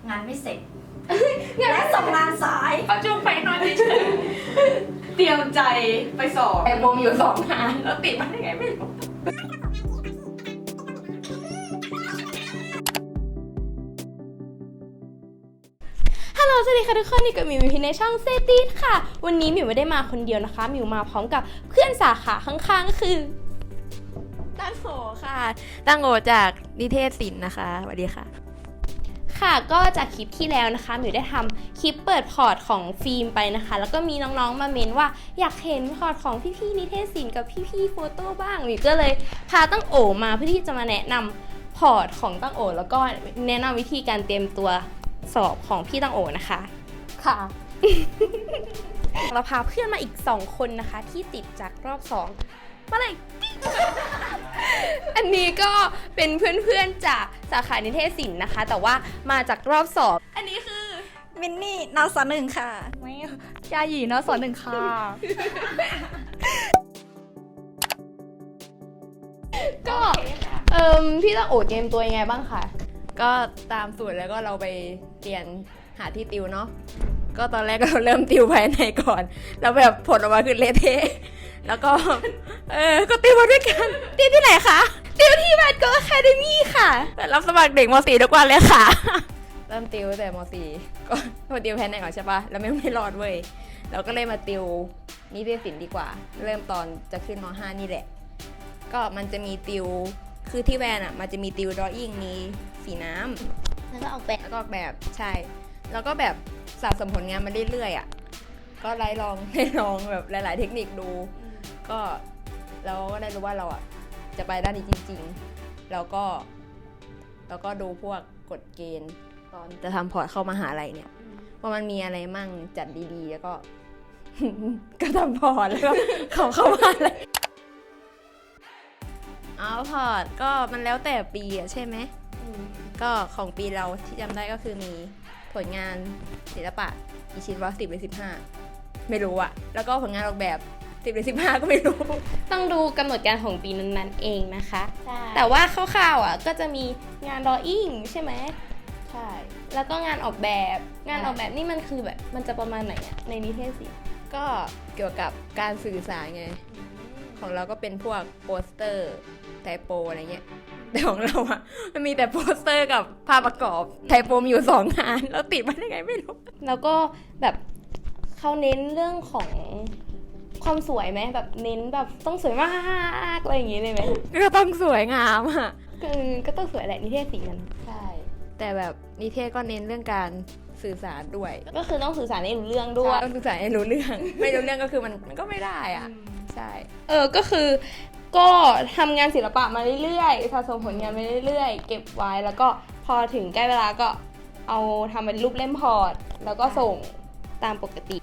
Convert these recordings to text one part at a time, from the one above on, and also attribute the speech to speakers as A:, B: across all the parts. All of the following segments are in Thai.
A: งานไม่เสร็จและส่งงานสายเขาจุงไปนอนเฉยเตรียมใจไปสอบแต่โมมีอยู่2 งานแล้วติดมาได้ไงไม่รู้
B: ฮัลโหลสวัสดีค่ะทุกคนนี่กับหมิวอยู่ในช่องเซตีสค่ะวันนี้หมิวไม่ได้มาคนเดียวนะคะหมิวมาพร้อมกับเพื่อนสาขาข้างๆก็คือตั้งโหค่ะตั้งโหจากนิเทศศิลป์นะคะสวัสดีค่ะค่ะก็จากคลิปที่แล้วนะคะหมิวได้ทำคลิปเปิดพอร์ตของฟิล์มไปนะคะแล้วก็มีน้องๆมาเมนว่าอยากเห็นพอร์ตของพี่ๆนิเทศศิลป์กับพี่ๆโฟโต้บ้างหมิวก็เลยพาตั้งโอมาเพื่อที่จะมาแนะนำพอร์ตของตั้งโอแล้วก็แนะนำวิธีการเตรียมตัวสอบของพี่ตั้งโอนะคะค่ะ เราพาเพื่อนมาอีก2 คนนะคะที่ติดจากรอบ2มาเลย อันนี้ก็เป็นเพื่อนๆจากสาขานิเทศศิลป์นะคะ แต่ว่ามาจากรอบสอบอันนี้คือ
C: มินนี่นสหนึ่งค่ะไม่ยาหยีนสหนึ่งค่ะ
B: ก็พี่ตั้งโอเตรียมตัวยังไงบ้างคะ
D: ก็ตามสูตรแล้วก็เราไปเรียนหาที่ติวเนาะก็ตอนแรกเราเริ่มติวภายในก่อนแล้วแบบผลออกมาคือเละเทะแล้วก็ก็ติวมาด้วยกันติวที่ไหนคะ
B: ติวที่บัตโกอะคาเดมี่ค่ะ
D: รับสมัครเด็กม .4 ทุกวันเลยค่ะ เริ่มติวแต่ม .4 ก็มาติวภายในก่อนใช่ปะแล้วไม่รอดเว้ยเราก็เลยมาติวนิเทศศิลป์ดีกว่าเริ่มตอนจะขึ้นม .5 นี่แหละก็มันจะมีติวคือที่แวนอ่ะมันจะมีติวดรออิ่งมีสีน้ำ
B: แล้วก็ออกแบบ
D: แล้วก็ออกแบบใช่แล้วก็แบบสะสมผลงานมาเรื่อยๆอ่ะก็ไล่ลองแบบหลายๆเทคนิคดูก็เราก็ได้รู้ว่าเราอ่ะจะไปด้านนี้จริงๆแล้วก็ดูพวกกฎเกณฑ์ตอนจะทำพอร์ตเข้ามหาลัยเนี่ยว่ามันมีอะไรมั่งจัดดีๆแล้วก็ ก็ทำพอร์ตแล้วก็เข้ามาเลยเอาพอร์ตก็มันแล้วแต่ปีอ่ะใช่ไหมก็ของปีเราที่จำได้ก็คือมีผลงานศิลปะกี่ชิ้นวะ10 หรือ 15ไม่รู้อะแล้วก็ผลงานออกแบบ10 หรือ 15ก็ไม่รู้
B: ต้องดูกำหนดการของปีนั้นๆเองนะคะแต่ว่าคร่าวๆอ่ะก็จะมีงานดรออิ่งใช่ไหมใช่แล้วก็งานออกแบบนี่มันคือแบบมันจะประมาณไหนอ่ะในนิเทศศิลป์
D: ก็เกี่ยวกับการสื่อสารไงของเราก็เป็นพวกโปสเตอร์ไทโปอะไรเงี้ยแต่ของเราอะมันมีแต่โปสเตอร์กับภาพประกอบไทโปมีอยู่2 งานแล้วติดมาได้ไงไม่รู้
B: แล้วก็แบบเขาเน้นเรื่องของความสวยไหมแบบเน้นแบบต้องสวยมากอะไรอย่างงี้เลยไหม
D: ก็ต้องสวยงามอะ
B: ก็ต้องสวยแหละนิเทศศิลป์มัน
D: ใช่แต่แบบนิเทศก็เน้นเรื่องการสื่อสารด้วย
B: ก็คือต้องสื่อสารให้รู้เรื่องด้วย
D: ต้องสื่อสารให้รู้เรื่อง ไม่รู้เรื่องก็คือมันก็ไม่ได้อะใช่
B: ก็คือก็ทำงานศิลปะมาเรื่อยๆสะสมผลงานมาเรื่อยๆเก็บไว้แล้วก็พอถึงใกล้เวลาก็เอาทำเป็นรูปเล่มพอร์ตแล้วก็ส่งตามปกติ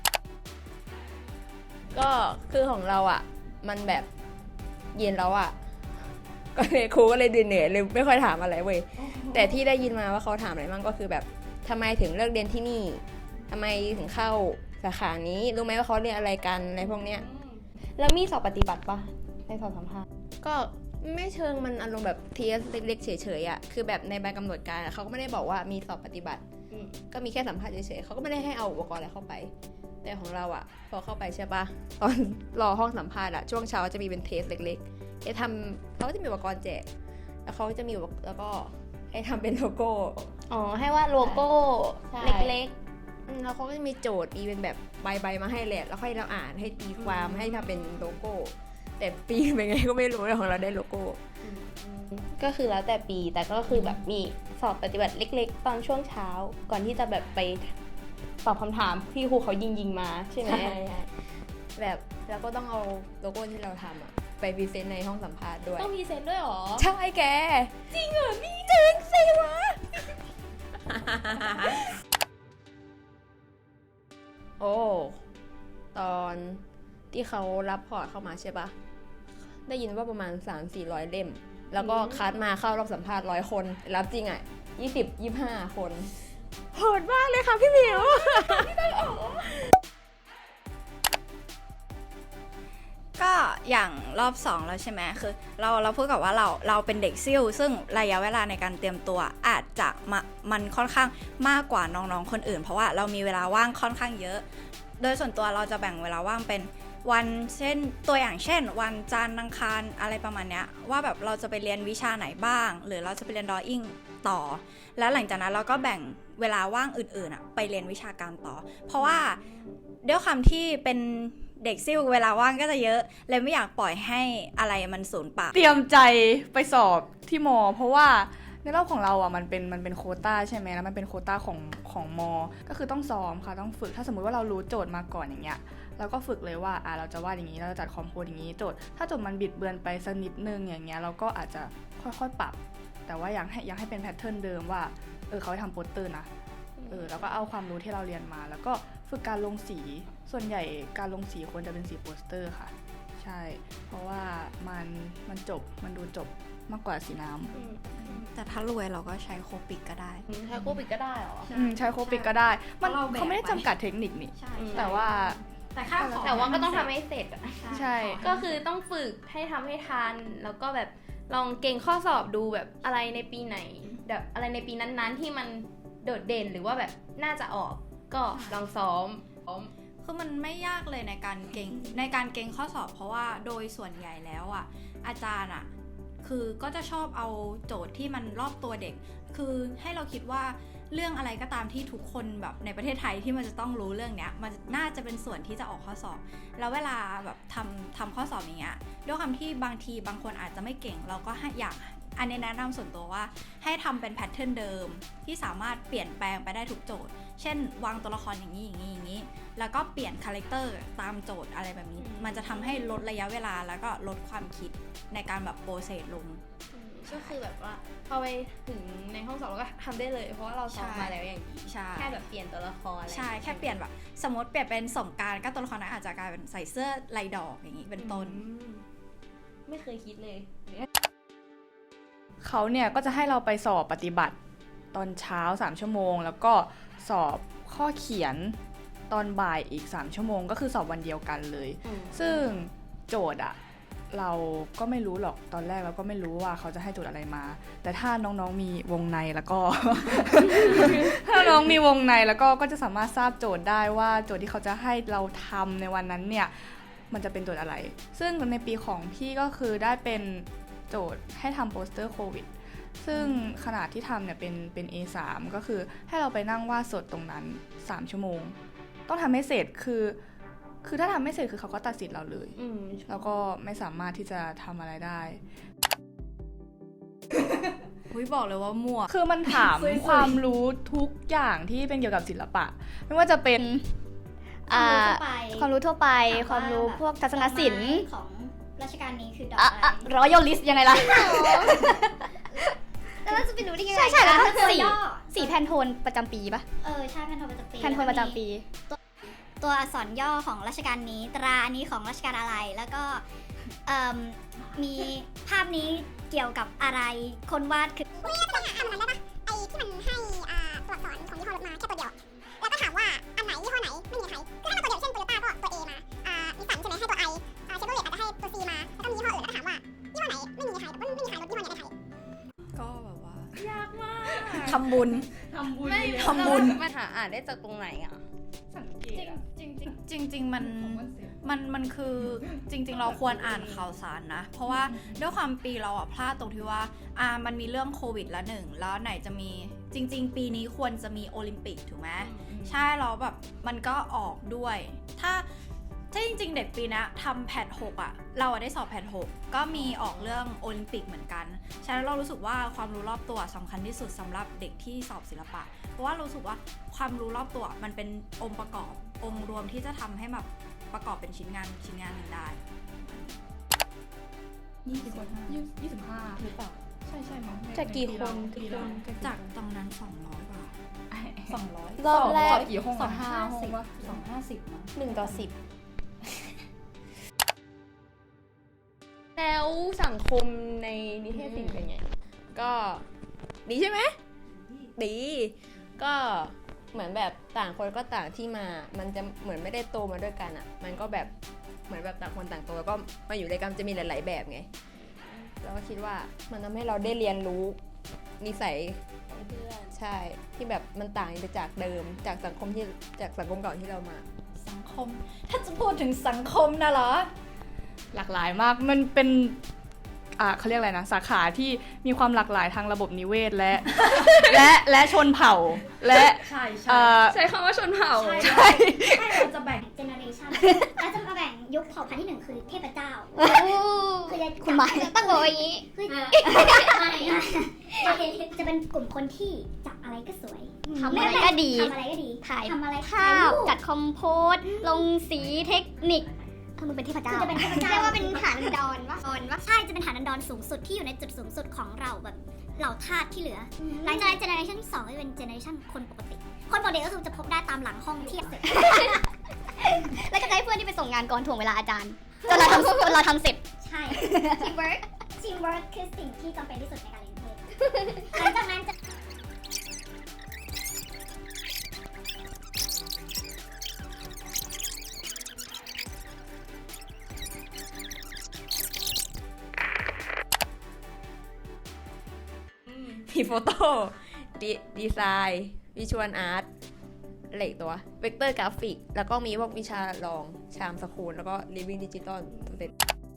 D: ก็คือของเราอ่ะมันแบบเย็นแล้วอ่ะก็เลยครูก็เลยเหนื่อยเลยไม่ค่อยถามอะไรเว้ยแต่ที่ได้ยินมาว่าเขาถามอะไรมั่งก็คือแบบทำไมถึงเลือกเรียนที่นี่ทำไมถึงเข้าสาขานี้รู้ไหมว่าเขาเรียนอะไรกันอะไรพวกเนี้ย
B: แล้วมีสอบปฏิบัติปะในสอบสัมภาษณ์
D: ก็ไม่เชิงมันอารมณ์แบบเทสเล็กๆเฉยๆอ่ะคือแบบในใบกำหนดการอะเขาก็ไม่ได้บอกว่ามีสอบปฏิบัติก็มีแค่สัมภาษณ์เฉยๆเขาก็ไม่ได้ให้เอาอุปกรณ์อะไรเข้าไปแต่ของเราอ่ะพอเข้าไปใช่ปะตอนรอห้องสัมภาษณ์อ่ะช่วงเช้าจะมีเป็นเทสเล็กๆให้ทำเขาจะมีอุปกรณ์แจกแล้วเขาจะมีแล้วก็ให้ทำเป็นโลโก้
B: อ๋อให้วาดโลโก้เล็ก
D: แล้วเขาก็จะมีโจทย์มีเป็นแบบใบมาให้แหละแล้วให้เราอ่านให้ตีความให้ทำเป็นโลโก้แต่ปีเป็นไงก็ไม่รู้ของเราได้โลโก้
B: ๆก็คือแล้วแต่ปีแต่ก็คือแบบมีสอบปฏิบัติเล็กๆ ตอนช่วงเช้าก่อนที่จะแบบไปตอบคำถามที่ครูเขายิงมาใช่ไหม
D: แบบแล้วก็ต้องเอาโลโก้ที่เราทำอะไปพรีเซนต์ในห้องสัมภาษณ์ด้วย
B: ต้องพรีเซนต์ด้วยหรอ
D: ใช่แก
B: จริงเหรอนี่จึงสิวะ
D: โอ้ตอนที่เขารับพอร์ตเข้ามาใช่ปะได้ยินว่าประมาณ 300-400 เล่มแล้วก็คัดมาเข้ารอบสัมภาษณ์100 คนรับจริงอ่ะ20-25 คนโหดมากเลยค่ะพี่หมิว
B: ก
C: ก็อย่างรอบ2แล้วใช่ไหมคือเราพูดกับว่าเราเป็นเด็กซิ่วซึ่งระยะเวลาในการเตรียมตัวอาจจะมันค่อนข้างมากกว่าน้องๆคนอื่นเพราะว่าเรามีเวลาว่างค่อนข้างเยอะโดยส่วนตัวเราจะแบ่งเวลาว่างเป็นวันเช่นตัวอย่างเช่นวันจันทร์อังคารอะไรประมาณเนี้ยว่าแบบเราจะไปเรียนวิชาไหนบ้างหรือเราจะไปเรียนดรออิ่งต่อแล้วหลังจากนั้นเราก็แบ่งเวลาว่างอื่นๆไปเรียนวิชาการต่อเพราะว่าด้วยความที่เป็นเด็กซิ่วเวลาว่างก็จะเยอะเลยไม่อยากปล่อยให้อะไรมันสูญเปล่า
E: เตรียมใจไปสอบที่มอเพราะว่าในรอบของเราอ่ะมันเป็นโควต้าใช่ไหมแล้วมันเป็นโควต้าของมอก็คือต้องซ้อมค่ะต้องฝึกถ้าสมมุติว่าเรารู้โจทย์มาก่อนอย่างเงี้ยเราก็ฝึกเลยว่าเราจะวาดอย่างนี้เราจะจัดคอมโพสอย่างนี้โจทย์ถ้าโจทย์มันบิดเบือนไปสักนิดนึงอย่างเงี้ยเราก็อาจจะค่อยๆปรับแต่ว่ายังให้เป็นแพทเทิร์นเดิมว่าเขาให้ทำโปสเตอร์นะแล้วก็เอาความรู้ที่เราเรียนมาแล้วก็ฝึกการลงสีส่วนใหญ่การลงสีควรจะเป็นสีโปสเตอร์ค่ะใช่เพราะว่ามันดูจบมากกว่าสีน้ำ
C: แต่ถ้ารวยเราก็ใช้โคปิกก็ได้
A: ใช้โคปิดก็ได้เหรอ
E: ใช้โคปิกก็ได้มัน
C: เราแบก
E: เขาไม่ได้จำกัดเทคนิคนี่
C: ใช่
E: แต่ว่า
C: แต่ค่าของ
B: แต่ว่าก็ต้องทำให้เสร็จอะ
E: ใช่
B: ก็คือต้องฝึกให้ทำให้ทันแล้วก็แบบลองเก่งข้อสอบดูแบบอะไรในปีไหนแบบอะไรในปีนั้นๆที่มันโดดเด่นหรือว่าแบบน่าจะออกก็ลองซ้อม
C: คือมันไม่ยากเลยในการเก่งข้อสอบเพราะว่าโดยส่วนใหญ่แล้วอาจารย์คือก็จะชอบเอาโจทย์ที่มันรอบตัวเด็กคือให้เราคิดว่าเรื่องอะไรก็ตามที่ทุกคนแบบในประเทศไทยที่มันจะต้องรู้เรื่องเนี้ยมันน่าจะเป็นส่วนที่จะออกข้อสอบแล้วเวลาแบบทำข้อสอบอย่างเงี้ยด้วยความที่บางคนอาจจะไม่เก่งเราก็อยากอันนี้แนะนำส่วนตัวว่าให้ทำเป็นแพทเทิร์นเดิมที่สามารถเปลี่ยนแปลงไปได้ทุกโจทย์เช่นวางตัวละครอย่างนี้แล้วก็เปลี่ยนคาแรคเตอร์ตามโจทย์อะไรแบบนี้มันจะทำให้ลดระยะเวลาแล้วก็ลดความคิดในการแบบโปรเซสลง
B: ก็คือแบบว่าพอไปถึงในห้องสอบเราก็ทำได้เลยเพราะว่าเราซ้อมมาแล้วอย่างนี้
C: ใช่
B: แค่แบบเปลี่ยนตัวละครอะไร
C: ใช่แค่เปลี่ยนแบบสมมติเปลี่ยนเป็นสงกรานต์ก็ตัวละครนั้นอาจจะกลายเป็นใส่เสื้อลายดอกอย่างนี้เป็นต้น
B: ไม่เคยคิดเลย
E: เขาเนี่ยก็จะให้เราไปสอบปฏิบัติตอนเช้า3ชั่วโมงแล้วก็สอบข้อเขียนตอนบ่ายอีก3ชั่วโมงก็คือสอบวันเดียวกันเลยซึ่งโจทย์เราก็ไม่รู้หรอกตอนแรกเราก็ไม่รู้ว่าเขาจะให้โจทย์อะไรมาแต่ถ้าน้องๆมีวงในแล้วก็ ถ้าน้องมีวงในแล้วก็จะสามารถทราบโจทย์ได้ว่าโจทย์ที่เขาจะให้เราทำในวันนั้นเนี่ยมันจะเป็นโจทย์อะไรซึ่งในปีของพี่ก็คือได้เป็นโจทย์ให้ทำโปสเตอร์โควิดซึ่งขนาดที่ทำเนี่ยเป็น A3 ก็คือให้เราไปนั่งวาดสดตรงนั้น3ชั่วโมงต้องทำให้เสร็จคือถ้าทำไม่เสร็จคือเขาก็ตัดสิทธิ์เราเลยแล้วก็ไม่สามารถที่จะทำอะไรได้
C: บอกเลยว่ามั่ว
E: คือมันถาม ความรู้ทุกอย่างที่เป็นเกี่ยวกับศิลปะไม่ว่าจะเป็น
F: ความรู้ทั่วไป ความรู้พวกทัศนศิลป์ของรัชกาลนี้คือดอกอะไรรอยัลลิสยังไงล่ะแล้วเราจะไปรู้ได้ยังไงใช่แล้วก็สีแพนโทนประจำปีปะใช่แพนโทนประจำปีแพนโทนประจำปีตัวอักษรย่อของรัชกาลนี้ตราอันนี้ของรัชกาลอะไรแล้วก็มีภาพนี้เกี่ยวกับอะไรคนวาดคือ
G: ทำมันได้ปะไอ้ที่มันให้ตัวอักษรของยี่ห้อรถมาแค่ตัวเดียวแล้วก็ถามว่าอันไหนยี่ห้อไหนไม่มีใครคือถ้ามันตัวเดียวเช่นโตโยต้าก็ตัว A มานิสสันใช่ไหมให้ตัว I เชฟโรเลตอาจจะให้ตัว C มาแล้วก็มียี่ห้ออื่นแล้วก็ถามว่ายี่ห้อไหนไม่มีใครไม่มีใครรถยี่ห้อไหนในไทย
C: ก็แบบว่าย
B: ากมาก
C: ทำบุญ
D: มันหาอ่านได้จากตรงไหน
E: สังเกต
C: จริงมันคือจริงๆเราควรอ่านข่าวสารนะเพราะว่าด้วยความปีเราพลาดตรงที่ว่ามันมีเรื่องโควิดละหนึ่งแล้วไหนจะมีจริงๆปีนี้ควรจะมีโอลิมปิกถูกไหมใช่แล้วแบบมันก็ออกด้วยถ้าจริงๆเด็กปีนะทำแพท6เราได้สอบแพท6ก็มีออกเรื่องโอลิมปิกเหมือนกันฉะนั้นเรารู้สึกว่าความรู้รอบตัวสำคัญที่สุดสำหรับเด็กที่สอบศิลปะเพราะว่ารู้สึกว่าความรู้รอบตัวมันเป็นองค์ประกอบองค์รวมที่จะทำให้แบบประกอบเป็นชิ้นงานหนึ่งได้
E: 25หรือเปล่าใช่มั้ง
B: จะกี่คน
C: จากตรงนั้น200 บาท
E: 200
B: รอบแรก
E: สอบกี่ห้องอะ5 ห้องวะ
C: 250มั้ง
B: 1 ต่อ 10 แล้วสังคมในนิเทศศิลป์เป็นไง
D: ก็ดีใช่ไหมดีก็เหมือนแบบต่างคนก็ต่างที่มามันจะเหมือนไม่ได้โตมาด้วยกันมันก็แบบเหมือนแบบต่างคนต่างโตแล้วก็มาอยู่ด้วยกันจะมีหลาย ๆ แบบไงเราก็คิดว่ามันทำให้เราได้เรียนรู้นิสัยเพื่อนใช่ที่แบบมันต่างไปจากเดิมจากสังคมเก่าที่เรามา
C: สังคมถ้าจะพูดถึงสังคมนะเหรอ
E: หลากหลายมากมันเป็นเขาเรียกอะไรนะสาขาที่มีความหลากหลายทางระบบนิเวศและ และชนเผ่าและ
C: ใช่
B: ใช้คำว่าชนเผ่า
C: ใช่เราจะแบ่ง
G: เจเนอเรชันแล้วจะมาแบ่งยุคเผ่าพันธุ์ที่หนึ่งคือเทพเจ้าคือ
F: คุณหมายตั้งบอกอย่างนี้
G: จะเป็นกลุ่มคนที่จับอะไรก็สวย
F: ทำอะไรก็ดี
G: ทำอะไรก็ดีถ่าย
F: ทำอะไร
G: ข้า
F: ข้าว
G: ว
F: จัดคอมโพสลงสีเทคนิคถ้ามึงเป็นเทพเจ้า
G: คือจะเป็นเทพเจ้า
F: เรียกว่าเป็นฐานดอนวะ
G: ใช่จะเป็นฐานันดรสูงสุดที่อยู่ในจุดสูงสุดของเราแบบเหล่าทาสที่เหลือหลังจากนั้นเจเนอเรชันที่2ก็จะเป็นเจเนอเรชันคนปกติคนปกติก็คือจะพบได้ตามหลังห้องเที่ยงเสร็จ
F: แล้วก็จะให้เพื่อนที่ไปส่งงานก่อนถ่วงเวลาอาจารย์จนเราทำเสร็จ
G: ใช่ teamwork teamwork คือสิ่งที่จำเป็นที่สุดในการเรียนเพศหลังจากนั้นจะ
D: มีโฟโต้ดีไซน์วิชวลอาร์ตอะไรอีกตัวเวกเตอร์กราฟิกแล้วก็มีพวกวิชารองชามสคูลแล้วก็ living digital เป็น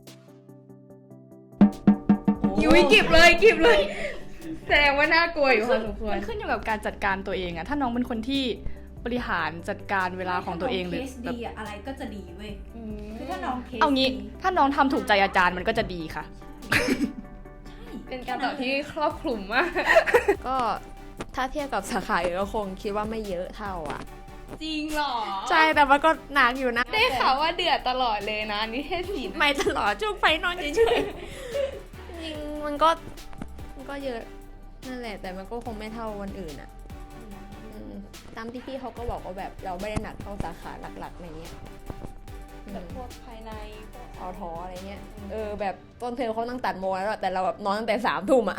E: ยุ้ยกิบเลยแสดงว่าน่ากลัวอยู่พอสมควรมันขึ้นอยู่กับการจัดการตัวเองอะถ้าน้องเป็นคนที่บริหารจัดการเวลาของตัวเองหรือ
C: เคส
E: แบบ
C: ดีอะอะไรก็จะดีเว้ยคือถ้าน้องเคส
E: เอางี้
C: ดี
E: ถ้าน้องทำถูกใจอาจารย์มันก็จะดีค่ะ
B: เป็นการตอบที่ครอบคลุมมาก
D: ก็ถ้าเทียบกับสาขาอื่นก็คงคิดว่าไม่เยอะเท่าอ่ะ
B: จริงเหรอ
D: ใช่แต่มันก็หนักอยู่นะ
B: ได้ข่าวว่าเดือดตลอดเลยนะนิเทศศิลป์
D: ไม่ตลอดช่วงไฟนอนเฉยๆจริงมันก็เยอะนั่นแหละแต่มันก็คงไม่เท่าวันอื่นอ่ะตามที่พี่เขาก็บอกว่าแบบเราไม่ได้หนักเท่าสาขาหลักๆในเนี้ย
B: แบบพวกภายในพวก
D: เอาท้ออะไรเงี้ยแบบต้นเทอมเขาตั้งตัดโมงแล้วแต่เราแบบนอนตั้งแต่3 ทุ่มอ่ะ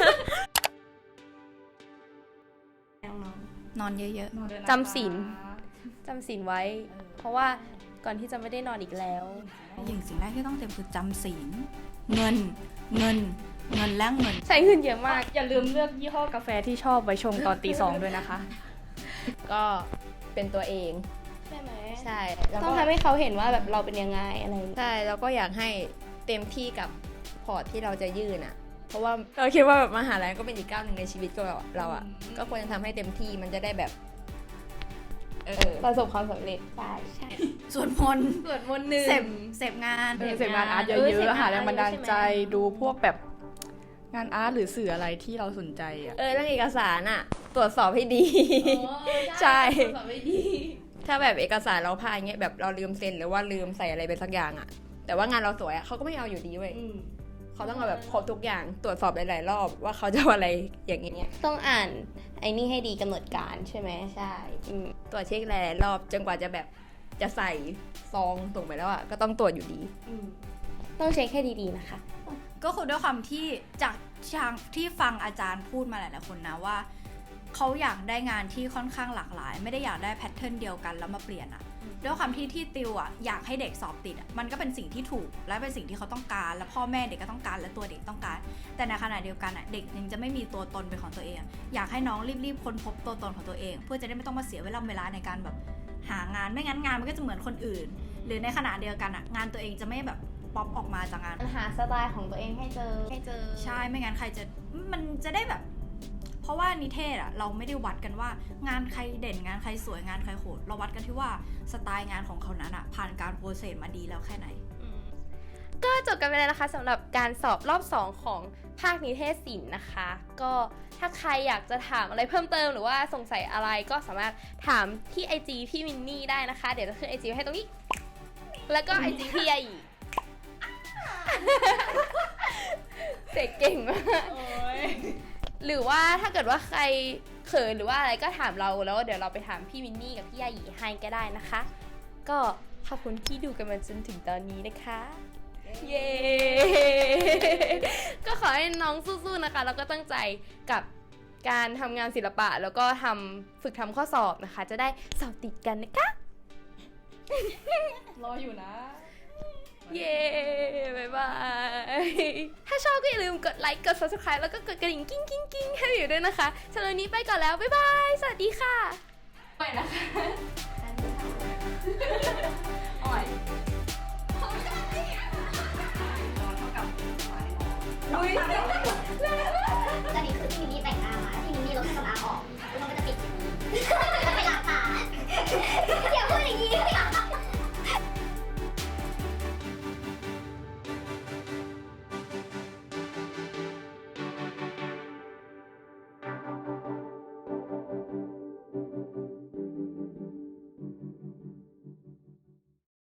C: นอนเยอะ
B: จำศีลไว้ เพราะว่าก่อนที่จะไม่ได้นอนอีกแล้ว
C: ๆอย่างสิ่งแรกที่ต้องเตรียมคือจำศีลเงินและเงิน
B: ใช้เงินเยอะมาก
E: อย่าลืมเลือกยี่ห้อกาแฟที่ชอบไว้ชงตอนตี 2ด้วยนะคะ
D: ก็เป็นตัวเอง
B: ใช่ไหม
D: ใช่แล้ว
B: ต้อง
D: ก็
B: ทำให้เขาเห็นว่าแบบเราเป็นยังไงอะไรอย่างเงี้ย
D: ใช่แล้วก็อยากให้เต็มที่กับพอร์ตที่เราจะยื่นอ่ะ เพราะว่าเราคิดว่าแบบมหาลัยก็เป็นอีกก้าวหนึ่งในชีวิตก็เราอ่ะก็ควรจะทำให้เต็มที่มันจะได้แบบ
B: ประสบความสำเร็จใช่
C: ส่วนมนต์
B: สวดมนต์หนึ่ง
C: เสพงาน
E: เสพงานอาร์ตเย
B: เสพ
E: อะ
B: งาน
E: ๆหาแรงบันดาลใจ
B: ใช่ไหม
E: ดูพวกแบบงานอาร์ตหรือสื่ออะไรที่เราสนใจอ่ะ
D: เรื่องเอกสารอ่ะตรวจสอบให้ดี ใช่
B: ตรวจสอบไม่ดี
D: ถ้าแบบเอกสารเราพลาดเงี้ยแบบเราลืมเซ็นหรือว่าลืมใส่อะไรไปสักอย่างอ่ะแต่ว่างานเราสวยอ่ะเขาก็ไม่เอาอยู่ดีเว้ยเขาต้องเอาแบบครบทุกอย่างตรวจสอบหลายๆรอบว่าเขาจะเอาอะไรอย่างเงี้ย
B: ต้องอ่านไอ้นี่ให้ดีกำหนดการใช่ไหม
D: ใช่ตรวจเช็คหลายๆรอบจนกว่าจะแบบจะใส่ซองส่งไปแล้วอ่ะก็ต้องตรวจอยู่ดี
B: ต้องเช็คให้ดีๆนะคะ
C: ก็คือด้วยความที่จากที่ฟังอาจารย์พูดมาหลายๆคนนะว่าเขาอยากได้งานที่ค่อนข้างหลากหลาย ไม่ได้อยากได้แพทเทิร์นเดียวกันแล้วมาเปลี่ยนอะด้วยความที่ติวอะอยากให้เด็กสอบติดอะมันก็เป็นสิ่งที่ถูกและเป็นสิ่งที่เขาต้องการและพ่อแม่เด็กก็ต้องการและตัวเด็กต้องการแต่ในขณะเดียวกันอะเด็กยังจะไม่มีตัวตนเป็นของตัวเองอยากให้น้องรีบๆค้นพบตัวตนของตัวเองเพื่อจะได้ไม่ต้องมาเสียเวลาในการแบบหางานไม่งั้นงานมันก็จะเหมือนคนอื่น หรือในขณะเดียวกันอะงานตัวเองจะไม่แบบป๊อปออกมาจากงาน
B: หาสไตล์ของตัวเองให้เจอ
C: ใช่ไม่งั้นใครจะมันจะได้แบบเพราะว่านิเทศอะเราไม่ได้วัดกันว่างานใครเด่นงานใครสวยงานใครโหดเราวัดกันที่ว่าสไตล์งานของเขานั้นอะผ่านการโปรเซสมาดีแล้วแค่ไหน
B: ก็จบกันไปแล้วนะคะสำหรับการสอบรอบ 2 ของภาคนิเทศศิลป์นะคะ ก็ถ้าใครอยากจะถามอะไรเพิ่มเติมหรือว่าสงสัยอะไรก็สามารถถามที่ IG พี่มินนี่ได้นะคะ เดี๋ยวจะขึ้น IG ไว้ให้ตรงนี้ แล้วก็ IG พี่ยายีเสกเก่งมากหรือว่าถ้าเกิดว่าใครเขินหรือว่าอะไรก็ถามเราแล้วเดี๋ยวเราไปถามพี่มินนี่กับพี่ยายีให้ก็ได้นะคะ ก็ขอบคุณที่ดูกันมาจนถึงตอนนี้นะคะ เย้ ก็ขอให้น้องสู้ๆนะคะแล้วก็ตั้งใจกับการทำงานศิลปะแล้วก็ฝึกทำข้อสอบนะคะจะได้สอบติดกันนะคะ
E: รออยู่นะ
B: เย้ บ๊ายบาย ถ้าชอบก็อย่าลืมกดไลค์ กด subscribe แล้วก็กดกระดิ่งกิ้งกิ้งกิ้งให้อยู่ด้วยนะคะสำหรับวันนี้ไปก่อนแล้ว บ๊ายบาย สวัสดีค่ะ
A: ไปนะคะอ่อยอุ้ย
G: ตอนนี้คือพี่มินนี่แต่งหน้ามาพี่มินนี่ลดเครื่องสำอางออกแล้วมันก็จะปิดอย่างนี้